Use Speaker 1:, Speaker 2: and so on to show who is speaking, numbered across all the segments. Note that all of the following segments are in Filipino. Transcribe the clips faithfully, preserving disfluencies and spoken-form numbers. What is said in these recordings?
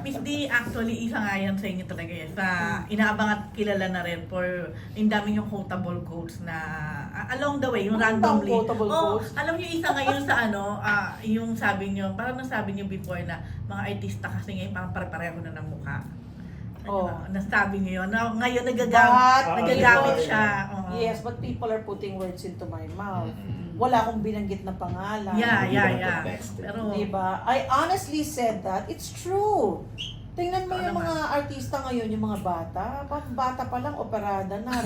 Speaker 1: Miss D, actually, isa nga yan sa inyo talaga yan. Sa inaabang at kilala na rin for yung dami yung quotable quotes na uh, along the way, yung
Speaker 2: Ano
Speaker 1: randomly.
Speaker 2: bang quotable
Speaker 1: Oh,
Speaker 2: quotes?
Speaker 1: alam niyo isa ngayon sa ano, ah, yung sabi niyo, parang nasabi niyo before na mga artista kasi ngayon parang pare-pareho na ng mukha.
Speaker 2: Oh.
Speaker 1: Ano, nasabi niyo yun. Na, ngayon nagagamit,
Speaker 2: But,
Speaker 1: nagagamit
Speaker 2: people-
Speaker 1: siya. Oo.
Speaker 2: Yes, but people are putting words into my mouth.
Speaker 3: Mm-hmm.
Speaker 2: Wala akong binanggit na pangalan.
Speaker 1: Yeah,
Speaker 3: Hindi
Speaker 1: yeah,
Speaker 3: naman
Speaker 1: yeah.
Speaker 3: context.
Speaker 1: Pero,
Speaker 2: Diba? I honestly said that. It's true. Tingnan mo
Speaker 1: Totoo
Speaker 2: yung
Speaker 1: naman.
Speaker 2: mga artista ngayon, yung mga bata. Pag bata pa lang, operada na.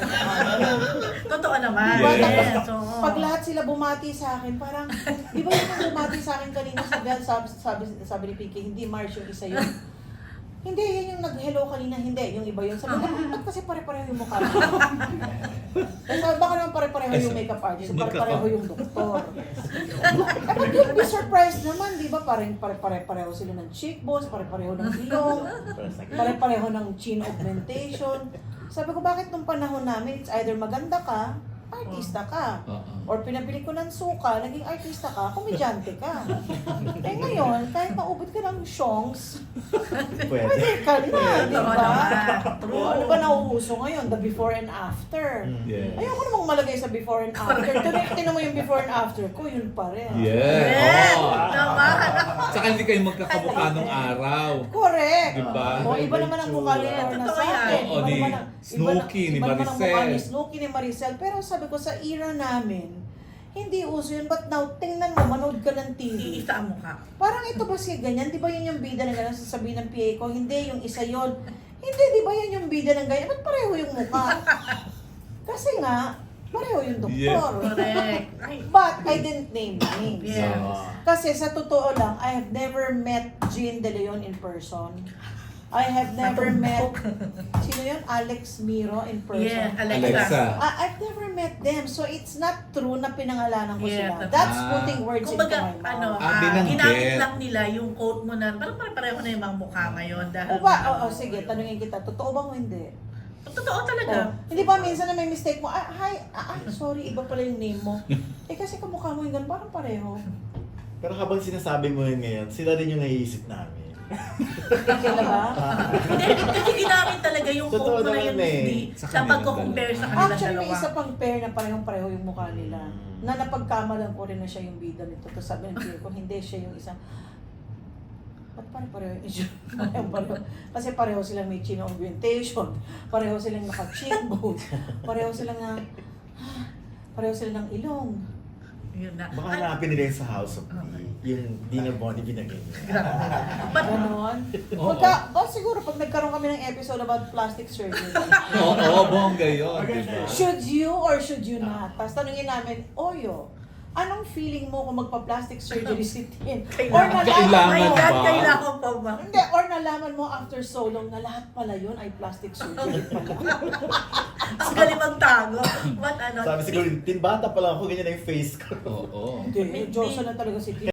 Speaker 1: totoo naman.
Speaker 2: Diba?
Speaker 1: Yes.
Speaker 2: Tapos,
Speaker 1: oo.
Speaker 2: pag lahat sila bumati sa akin, parang, di ba yung bumati sa akin kanina sa bell, sabi, sabi, sabi ni Pinky, hindi Mars yung isa yun. Hindi, yan yung nag-hello kanina, hindi, yung iba yun. Sabi ko, ba't kasi pare-pareho yung mukha mo? Kasi baka naman pare-pareho yung makeup artist, pare-pareho yung doktor. Eh, but you'll be surprised naman, di ba? Parang pare-pareho sila ng cheekbones, pare-pareho ng ilong, pare-pareho ng chin augmentation. Sabi ko, bakit nung panahon namin, it's either maganda ka, artista ka.
Speaker 3: Oo.
Speaker 2: Or pinabili ko ng suka, naging artista ka, komedyante ka. Eh ngayon, kahit maubod ka ng shongs,
Speaker 3: Pwede.
Speaker 2: pwede ka na, di
Speaker 1: Totoo
Speaker 2: ba?
Speaker 1: naman. True.
Speaker 2: Ano ba nauuso ngayon? The before and after.
Speaker 3: Yes.
Speaker 2: Ayoko namang malagay sa before and after. Tuloy, tinan mo yung before and after ko, yun pa rin.
Speaker 3: Yes.
Speaker 1: Yes.
Speaker 3: Oo.
Speaker 1: Naman.
Speaker 3: Tsaka hindi kayo magkakamukha nung araw.
Speaker 2: Correct.
Speaker 3: Diba?
Speaker 2: O, iba naman ang mukha ni Lorna
Speaker 1: Totoo
Speaker 2: sa
Speaker 1: yan.
Speaker 2: akin.
Speaker 3: Oo,
Speaker 2: Iba
Speaker 3: ni
Speaker 2: naman ang-
Speaker 3: Snooki,
Speaker 2: iba
Speaker 3: ni
Speaker 2: na- iba naman ang mukha
Speaker 3: Maricel.
Speaker 2: ni Snooki, ni Maricel. Pero sabi ko, sa era namin, hindi uso yun. But now, tingnan mo, manood ka ng T V.
Speaker 1: Iisa ang mukha.
Speaker 2: Parang ito ba siya ganyan? Di ba yun yung bida na gano'n? Sasabihin ng P A ko, hindi, yung isa yon. Hindi, di ba yan yung bida ng ganyan? Ba't pareho yung mukha? Kasi nga, pareho yung doktor.
Speaker 1: Correct. Ay,
Speaker 2: But I didn't name names.
Speaker 1: Yes.
Speaker 3: Oo.
Speaker 2: Kasi sa totoo lang, I have never met Jean De Leon in person. I have never met, sino yun? Alex Miro in person.
Speaker 1: yeah, Alexa.
Speaker 3: Alexa.
Speaker 2: I- I've never met them, so it's not true na pinangalanan ko
Speaker 1: Yeah,
Speaker 2: sila.
Speaker 1: that's-
Speaker 2: That's
Speaker 3: Ah.
Speaker 2: putting words into
Speaker 1: Kumbaga,
Speaker 2: my mouth.
Speaker 1: ano,
Speaker 3: Ah,
Speaker 1: ah,
Speaker 3: binanggit.
Speaker 1: ginamit lang nila yung quote mo na parang pare-pareho na yung mga mukha ngayon. Dahil,
Speaker 2: O ba, oo, sige, tanungin kita, totoo bang o hindi?
Speaker 1: Totoo talaga.
Speaker 2: Oh, hindi ba minsan na may mistake mo, ah, hi, ah, ah, sorry, iba pala yung name mo. Eh kasi kamukha mo yung ganun, parang pareho.
Speaker 4: Pero habang sinasabi mo yun ngayon, sila rin yung naiisip namin.
Speaker 2: Kaya ba?
Speaker 1: Hindi, kasi ginamit talaga yung
Speaker 4: Totoo
Speaker 1: quote mo na
Speaker 4: naman
Speaker 1: yun, Miss
Speaker 4: eh.
Speaker 1: D,
Speaker 3: Sa
Speaker 1: sa
Speaker 3: kanilang
Speaker 1: pagko-compare sa
Speaker 3: dalawa.
Speaker 1: kanilang
Speaker 2: Actually, may
Speaker 1: dalawa.
Speaker 2: isa pang pair na parehong pareho yung mukha nila.
Speaker 4: Mm.
Speaker 2: Na napagkamalan ko rin na siya yung bida nito. Tapos sabi ng peer ko, hindi siya yung isang, ba't pare-pareho yung issue? Parehong pareho. Kasi pareho silang may chin augmentation. Pareho silang naka-cheekbone. Pareho silang na, pareho silang ng ilong.
Speaker 1: Yun na.
Speaker 4: Baka
Speaker 1: Ay,
Speaker 4: hanapin nila yung sa House of D. Yung Dina Bonnie binagay niya.
Speaker 1: but,
Speaker 2: Ganon.
Speaker 3: Oo.
Speaker 2: Pagka, ba, siguro pag nagkaroon kami ng episode about plastic surgery,
Speaker 3: Oo, oo, bongga yun. Diba?
Speaker 2: should you or should you not? Tapos tanungin namin, Oyo, anong feeling mo kung magpa-plastic surgery si Tin? Or
Speaker 1: Kailangan.
Speaker 2: nalaman
Speaker 1: my
Speaker 2: mo,
Speaker 1: God,
Speaker 3: ba?
Speaker 1: kailangan pa ba?
Speaker 2: hindi, or nalaman mo after so long na lahat pala yun ay plastic surgery pala.
Speaker 1: Ang galing magtago. But ano,
Speaker 4: Sabi siguro, tin bata pa lang ako, ganyan na yung face ko.
Speaker 3: Oo.
Speaker 2: Hindi, Diyosa na talaga si Tin.